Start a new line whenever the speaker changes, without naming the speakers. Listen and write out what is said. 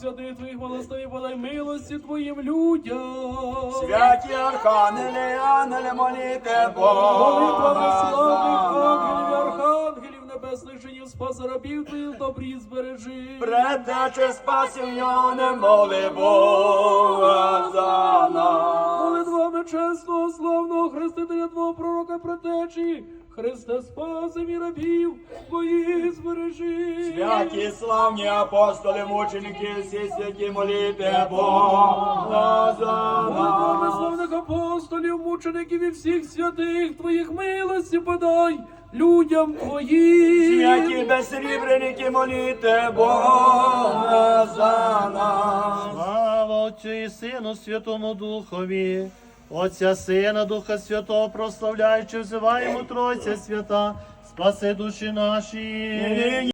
святих твоїх благослови, подай милості твоїм людям.
Святі архангели, ангели, моліте
Молитвами славних
Бога.
ангелів і архангелів небесних женів, спаси рабів твоїх, добрі збережи.
Предтече спасіння, моли Бога за нас.
Молитвами чесного, славного хрестителя твого пророка предтечі, Христе, спаси мій рабів твоїх збережи.
Святі славні апостоли, мученики, всі святі, моліте Бога за
Молитвами
нас.
славних апостолів, мучеників і всіх святих твоїх милості подай людям твоїм.
Святі безсрібреники, моліте Бога за нас.
Слава Отцю і Сину, Святому Духові, Отця, Сина, Духа Святого, прославляючи, взиваємо Тройця свята, спаси душі наші.